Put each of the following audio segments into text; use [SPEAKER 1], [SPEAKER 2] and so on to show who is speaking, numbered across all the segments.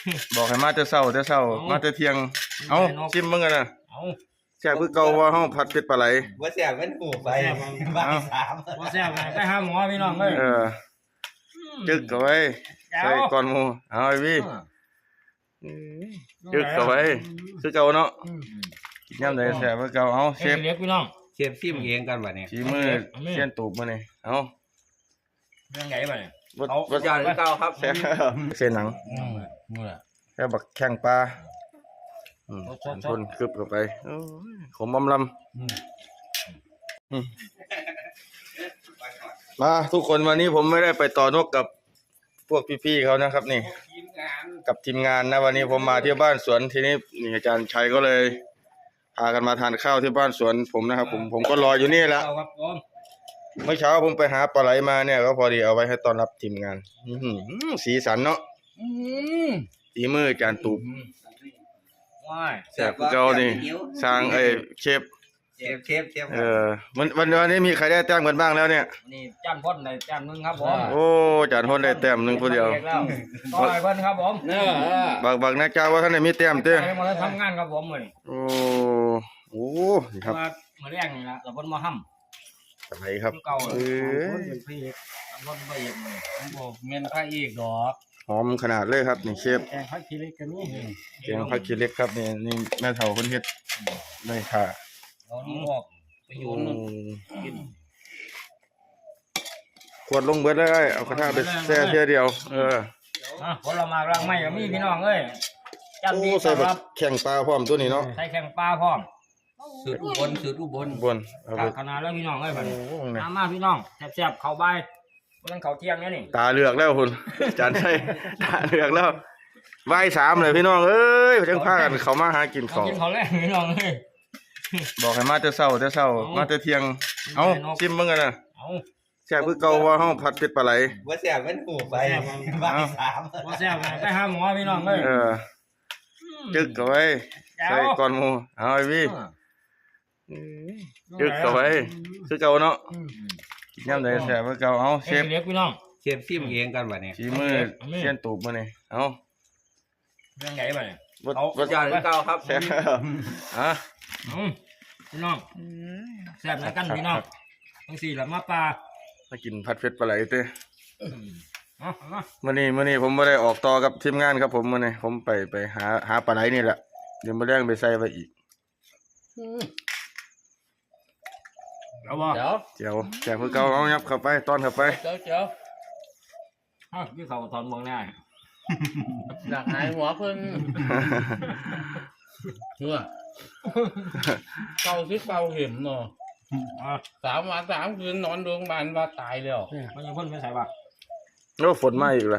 [SPEAKER 1] บอกให้มาแต่เช้ามาแต่เที่ยงเอาชิมมึงกันนะแซ่บคือเก่าว่าเฮาผัดเป็ดปลาไหล
[SPEAKER 2] ว่าแซ่บมันหูไปบ้านสาม
[SPEAKER 3] ว่าแซ่บไปหาหมอพี่น้องเลย
[SPEAKER 1] จึกเอาไว้ใส่ก่อนหมูเอาไอ้พี่จึกเอาไว้คือเก่าเนาะย่ำใดแซ่บคือเก่าเอาเชฟ
[SPEAKER 3] เล็กพี่น้อง
[SPEAKER 2] เชฟซิมเองกันวะเนี่ย
[SPEAKER 1] ฝีมือเสี้ยนตูบมาเนี่ยเอา
[SPEAKER 3] เรื่องไงบ่เนี่ย
[SPEAKER 2] เอาจานเก่าครับ
[SPEAKER 1] เส้นหนังแค่บักแข้งปลาชนกึบเข้าไปขมลำมาทุกคนวันนี้ผมไม่ได้ไปต่อนกกับพวกพี่ๆเขานะครับนี่กับทีมงานนะวันนี้ผมมาที่บ้านสวนทีนี้นี่อาจารย์ชัยก็เลยพากันมาทานข้าวที่บ้านสวนผมนะครับผมก็รออยู่นี่แหละเมื่อเช้าผมไปหาปลาไหลมาเนี่ยก็พอดีเอาไว้ให้ต้อนรับทีมงานสีสันเนาะฝีมืออาจารย์ตูบแซ่บเจ้านี่สร้างเชฟวันนี้มีใครได้แต้มกันบ้างแล้วเนี่ย
[SPEAKER 3] นี่จานพ่นได้แต้มนึงครับผม
[SPEAKER 1] โอ้จานพ่นได้แต้มนึงคนเดียว
[SPEAKER 3] ต่อยเพิ่นครับผม
[SPEAKER 1] บักนะเจ้าว่าท่านได้มีแต้มเต้
[SPEAKER 3] มาทำงานครับผมเลย
[SPEAKER 1] โอ้ครับ
[SPEAKER 3] มาแรกนี่ละเราเพิ่นมาห้ำ
[SPEAKER 1] อะไรครับ
[SPEAKER 3] เป็นพระเอกรถพระเอกเลยเมนพระเอกดอก
[SPEAKER 1] หอมขนาดเลยครับนี่เชฟ
[SPEAKER 3] แกงผักขี้เหล็กกันนี่
[SPEAKER 1] แกงผักขี้เหล็กครับนี่แม่เฒ่าคนเฮ็ดได้ค่ะ
[SPEAKER 3] เอานี่ออกไปโยนกิน
[SPEAKER 1] ขวดลงเบิดเลยเอากระทะไปแช่เทียเดียว
[SPEAKER 3] ผลไม้รังไม่ก็มีพี่น้องเอ้ย
[SPEAKER 1] จัดดีใส่แบบแข่งปลาพร้อมตัวนี้เนาะ
[SPEAKER 3] ใส่แข่งปลาพร้อม
[SPEAKER 2] สูตรอุบล
[SPEAKER 3] ขนาดแล้วพี่น้องเอ้ยมันมาพี่น้องแซ่บๆเข้าใบมันเขาเที่ยงเนี่ยนี่
[SPEAKER 1] ตาเลือกแล้วคุณจานใช่ตาเลือกแล้วใบ3เลยพี่น้องเอ้ยจังพากันเขามาหากินของ
[SPEAKER 3] กินเขาแรกพี่น้องเอ้ย
[SPEAKER 1] บอกให้มาแต่เช้ามาแต่เที่ยงเอาชิมมึงกันนะแซ่บคือเก่าว่าเฮาผัดเป็ดปลาไหล
[SPEAKER 2] ว่าแซ่บมันหูไปบ้านสาม
[SPEAKER 3] ว่าแซ่บไปหาหมอพี่น้องเลย
[SPEAKER 1] จึกเอาไว้ใส่ก่อนหมูเอาไอ้พี่จึกเอาไว้คือเก่าเนาะย่ำใดแซ่บคือเก่าเอาเชฟ
[SPEAKER 3] เล็กพี่น้อง
[SPEAKER 2] เชฟซิมเองกันวะเนี่ย
[SPEAKER 1] ฝีมือเสี้ยนตูบมาเนี่ยเอา
[SPEAKER 3] เรื่องไงบ่เนี่ย
[SPEAKER 2] เอาจานเก่าครับ
[SPEAKER 1] แซ่บ
[SPEAKER 3] พี่น้องแซ่บนะกันพี่น้องทั้ง4ละมาปลา
[SPEAKER 1] มากินผัดเผ็ดปลาไหลเต้มื้อนี้ผมไม่ได้ออกต่อกับทีมงานครับผมมื้อนี้ผมไปหาปลาไหลนี่แหละเดี๋ยวมาเลี้ยงไปใส่ไว้อีก
[SPEAKER 3] เอาบ่
[SPEAKER 1] เจียวแซ่บคือเก่าเอายับเข้าไปต้อนเข้าไป
[SPEAKER 3] เจียวพี่เขาถอนมองหน้า
[SPEAKER 2] อยากหายหัวเพิ่น
[SPEAKER 4] เก่าที่เก่าเห็นเนาะ3 วัน 3 คืนนอนโรงพยาบาลว่าตายแล้ว
[SPEAKER 3] มันยังพ่นไม่ใส่บ่
[SPEAKER 1] โอ้ฝนมาอีกแล้ว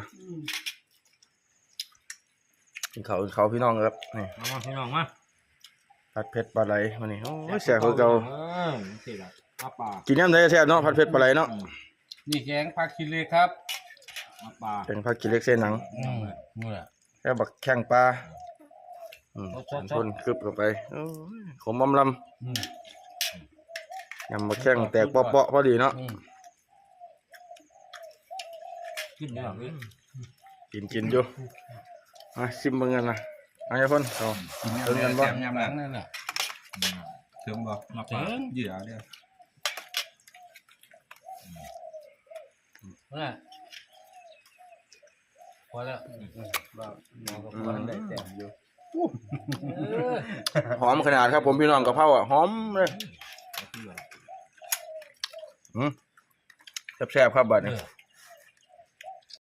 [SPEAKER 1] เขาพี่น้องครับนี่
[SPEAKER 3] พี่น้องมา
[SPEAKER 1] ผัดเผ็ดปลาไหลมานี่โอ้แซ่บคือเก่ากินน้ำได้แซ่บเนาะผัดเผ็ดปลาไหลเนาะ
[SPEAKER 4] นี่แกงผักขี้เหล็กครับ
[SPEAKER 1] แกงผักขี้เหล็กเส้นหนังแค่บักแข้งปลาชนกึบเข้าไปขมลำยำบักแข้งแตกเปาะๆพอดีเนาะกินอยู่ชิมเบิ่งกันนะเอาอย่าพ่นเอาเติมกันบ่
[SPEAKER 2] ยำหลังนั่นน่ะเติมบ่เติมเหยื่อเดียว
[SPEAKER 4] พอแล้ว
[SPEAKER 1] หอมขนาดครับผมพี่น้องกะเพราหอมเลยแซ่บๆครับบัดนี้